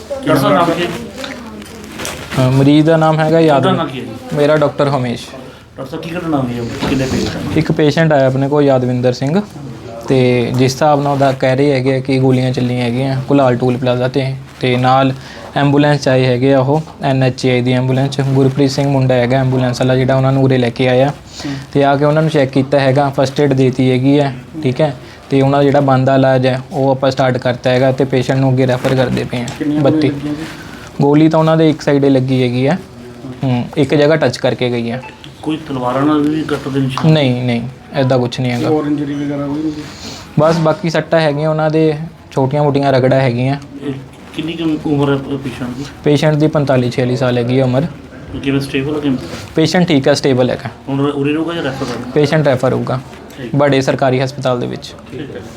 Doctor ਸਾਹਿਬ ਨਾਮ ਕੀ ਮਰੀਜ਼ ਦਾ ਨਾਮ ਹੈਗਾ ਉਹਦਾ ਯਾਦਵਿੰਦਰ। ਨਾਮ ਕੀ ਹੈ ਜੀ? ਮੇਰਾ ਡਾਕਟਰ ਹਮੇਸ਼। ਡਾਕਟਰ ਸਾਹਿਬ ਕੀ ਘਟਨਾ ਹੋਈ ਹੈ? ਕਿੰਨੇ ਪੇਸ਼ੈਂਟ? ਇੱਕ ਪੇਸ਼ੈਂਟ ਆਇਆ ਆਪਣੇ ਕੋਲ ਯਾਦਵਿੰਦਰ ਸਿੰਘ, ਤੇ ਜਿਸ ਹਿਸਾਬ ਨਾਲ ਉਹਦਾ ਕਹਿ ਰਹੇ ਹੈਗੇ ਕਿ ਗੋਲੀਆਂ ਚੱਲੀਆਂ ਹੈਗੀਆਂ ਕੁਲਾਲ ਟੂਲ ਪਲਾਜ਼ਾ ਤੇ ਨਾਲ ਐਂਬੂਲੈਂਸ 'ਚ ਆਏ ਹੈਗੇ ਆ ਉਹ NHI ਦੀ ਐਂਬੂਲੈਂਸ 'ਚ। ਗੁਰਪ੍ਰੀਤ ਸਿੰਘ ਮੁੰਡਾ ਹੈਗਾ ਐਂਬੂਲੈਂਸ ਵਾਲਾ ਜਿਹੜਾ ਉਹਨਾਂ ਨੂੰ ਉਰੇ ਲੈ ਕੇ ਆਇਆ, ਤੇ ਆ ਕੇ ਉਹਨਾਂ ਨੂੰ ਚੈੱਕ ਕੀਤਾ ਹੈਗਾ, ਫਸਟ ਏਡ ਦੇਤੀ ਹੈਗੀ ਹੈ, ਠੀਕ ਹੈ। ਤੇ ਉਹਨਾਂ ਦਾ ਜਿਹੜਾ ਬਣਦਾ ਇਲਾਜ ਹੈ ਉਹ ਆਪਾਂ ਸਟਾਰਟ ਕਰਤਾ ਹੈਗਾ, ਤੇ ਪੇਸ਼ੈਂਟ ਨੂੰ ਅੱਗੇ ਰੈਫਰ ਕਰਦੇ ਪਏ ਹਾਂ। 32 ਗੋਲੀ ਤਾਂ ਉਹਨਾਂ ਦੇ ਇੱਕ ਸਾਈਡੇ ਲੱਗੀ ਹੈਗੀ ਹੈ, ਇੱਕ ਜਗ੍ਹਾ ਟੱਚ ਕਰਕੇ ਗਈ ਹੈ। ਕੋਈ ਤਲਵਾਰਾਂ ਨਾਲ ਵੀ ਕੱਟ ਦੇ ਨਿਸ਼ਾਨ? ਨਹੀਂ ਐਦਾਂ ਕੁਝ ਨਹੀਂ ਹੈਗਾ। ਹੋਰ ਇੰਜਰੀ ਵਗੈਰਾ ਕੋਈ ਨਹੀਂ? ਬਸ ਬਾਕੀ ਸੱਟਾਂ ਹੈਗੀਆਂ ਉਹਨਾਂ ਦੇ, ਛੋਟੀਆਂ-ਮੋਟੀਆਂ ਰਗੜਾ ਹੈਗੀਆਂ। ਕਿੰਨੀ ਕੁ ਉਮਰ ਹੈ ਪੇਸ਼ੈਂਟ ਦੀ? ਪੇਸ਼ੈਂਟ ਦੀ 45-46 ਸਾਲ ਹੈਗੀ ਹੈ ਉਮਰ। ਕਿਵੇਂ ਸਟੇਬਲ ਹੈ ਕਿਵੇਂ? ਪੇਸ਼ੈਂਟ ਠੀਕ ਹੈ, ਸਟੇਬਲ ਹੈਗਾ। ਹੁਣ ਉਰੇ ਰਹੂਗਾ ਜਾਂ ਰੈਫਰ ਕਰਨਾ? ਪੇਸ਼ੈਂਟ ਰੈਫਰ ਹੋਊਗਾ ਬੜੇ ਸਰਕਾਰੀ ਹਸਪਤਾਲ ਦੇ ਵਿੱਚ। ਠੀਕ ਹੈ।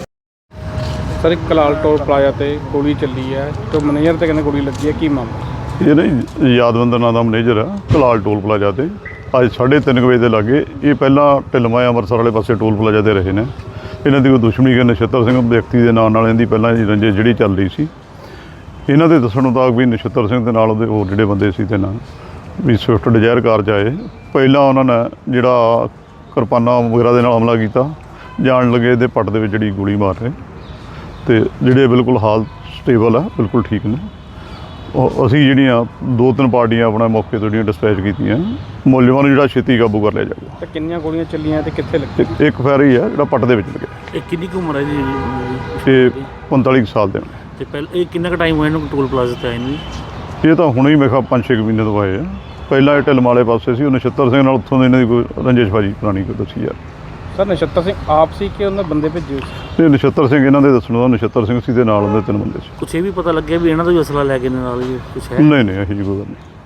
ਸਰ, ਇੱਕ ਕਲਾਲ ਟੋਲ ਪਲਾਜ਼ਾ ਤੇ ਗੋਲੀ ਚੱਲੀ ਹੈ ਤੇ ਮੈਨੇਜਰ ਤੇ ਕਹਿੰਦੇ ਗੋਲੀ ਲੱਗੀ ਹੈ, ਕੀ ਮਾਮਲਾ? ਇਹ ਨਹੀਂ ਯਾਦਵਿੰਦਰ ਨਾਂ ਦਾ ਮੈਨੇਜਰ ਆ ਕਲਾਲ ਟੋਲ ਪਲਾਜ਼ਾ ਤੇ ਅੱਜ 3:30 ਵਜੇ ਦੇ ਲਾਗੇ। ਇਹ ਪਹਿਲਾਂ ਢਿਲਮਾ ਅੰਮ੍ਰਿਤਸਰ ਵਾਲੇ ਪਾਸੇ ਟੋਲ ਪਲਾਜ਼ਾ ਤੇ ਰਹੇ ਨੇ। ਇਹਨਾਂ ਦੀ ਕੋਈ ਦੁਸ਼ਮਣੀ ਕਿ ਨਛੱਤਰ ਸਿੰਘ ਵਿਅਕਤੀ ਦੇ ਨਾਂ ਨਾਲ ਇਹਦੀ ਪਹਿਲਾਂ ਦੀ ਰੰਜਿਸ਼ ਜਿਹੜੀ ਚੱਲ ਰਹੀ ਸੀ। ਇਹਨਾਂ ਦੇ ਦੱਸਣ ਮੁਤਾਬਕ ਵੀ ਨਛੱਤਰ ਸਿੰਘ ਦੇ ਨਾਲ ਉਹਦੇ ਹੋਰ ਜਿਹੜੇ ਬੰਦੇ ਸੀ ਤੇ ਨਾਲ ਵੀ ਸਵਿਫਟ ਡਿਜ਼ਾਇਰ ਕਾਰ 'ਚ ਆਏ। ਪਹਿਲਾਂ ਉਹਨਾਂ ਨੇ ਜਿਹੜਾ ਕਿਰਪਾਨਾਂ ਵਗੈਰਾ ਦੇ ਨਾਲ ਹਮਲਾ ਕੀਤਾ, ਜਾਣ ਲੱਗੇ ਇਹਦੇ ਪੱਟ ਦੇ ਵਿੱਚ ਜਿਹੜੀ ਗੋਲੀ ਮਾਰ ਰਹੇ, ਤੇ ਜਿਹੜੇ ਬਿਲਕੁਲ ਹਾਲ ਸਟੇਬਲ ਆ, ਬਿਲਕੁਲ ਠੀਕ ਨੇ। ਅਸੀਂ ਜਿਹੜੀਆਂ 2-3 ਪਾਰਟੀਆਂ ਆਪਣਾ ਮੌਕੇ ਤੋਂ ਜਿਹੜੀਆਂ ਡਿਸਪੈਚ ਕੀਤੀਆਂ, ਮੁਲਜ਼ਮਾਂ ਨੂੰ ਜਿਹੜਾ ਛੇਤੀ ਕਾਬੂ ਕਰ ਲਿਆ ਜਾਊਗਾ। ਤੇ ਕਿੰਨੀਆਂ ਗੋਲੀਆਂ ਚੱਲੀਆਂ ਤੇ ਕਿੱਥੇ ਲੱਗੀ? ਇੱਕ ਫੈਰ ਹੀ ਆ ਜਿਹੜਾ ਪੱਟ ਦੇ ਵਿੱਚ ਲੱਗਿਆ। ਇਹ ਕਿੰਨੀ ਕੁ ਉਮਰ ਹੈ ਜੀ? ਇਹ 45 ਸਾਲ ਦੇ ਨੇ। ਤੇ ਪਹਿਲਾਂ ਇਹ ਕਿੰਨਾ ਕੁ ਟਾਈਮ ਹੋਇਆ ਇਹਨੂੰ ਟੋਲ ਪਲਾਜ਼ਾ ਤੇ ਆਏ ਨੂੰ? ਇਹ ਤਾਂ ਹੁਣੇ ਹੀ ਮੈਂ ਕਿਹਾ 5-6 ਮਹੀਨੇ ਤੋਂ ਆਏ ਆ। ਪਹਿਲਾਂ ਇਹ ਢਿਲਮ ਵਾਲੇ ਪਾਸੇ ਸੀ, ਉਹ ਨਛੱਤਰ ਸਿੰਘ ਨਾਲ ਉੱਥੋਂ ਦੇ ਇਹਨਾਂ ਦੀ ਕੋਈ ਰੰਜਿਸ਼ਬਾਜੀ ਪੁਰਾਣੀ ਕੋਈ ਦੱਸੀ ਯਾਰ। ਸਰ, ਨਛੱਤਰ ਸਿੰਘ ਆਪ ਸੀ ਕਿ ਉਹਨਾਂ ਬੰਦੇ ਭੇਜੇ ਸੀ? ਤੇ ਨਛੱਤਰ ਸਿੰਘ ਇਹਨਾਂ ਦੇ ਦੱਸਣ ਦਾ ਨਛੱਤਰ ਸਿੰਘ ਸੀ ਦੇ ਨਾਲ ਉਹਦੇ 3 ਬੰਦੇ ਸੀ। ਕੁਛ ਇਹ ਵੀ ਪਤਾ ਲੱਗਿਆ ਵੀ ਇਹਨਾਂ ਦਾ ਵੀ ਅਸਲਾ ਲੈ ਕੇ ਨਾਲ ਹੀ ਕੁਛ ਹੈ? ਨਹੀਂ ਇਹੋ ਜਿਹੀ ਕੋਈ ਗੱਲ ਨਹੀਂ।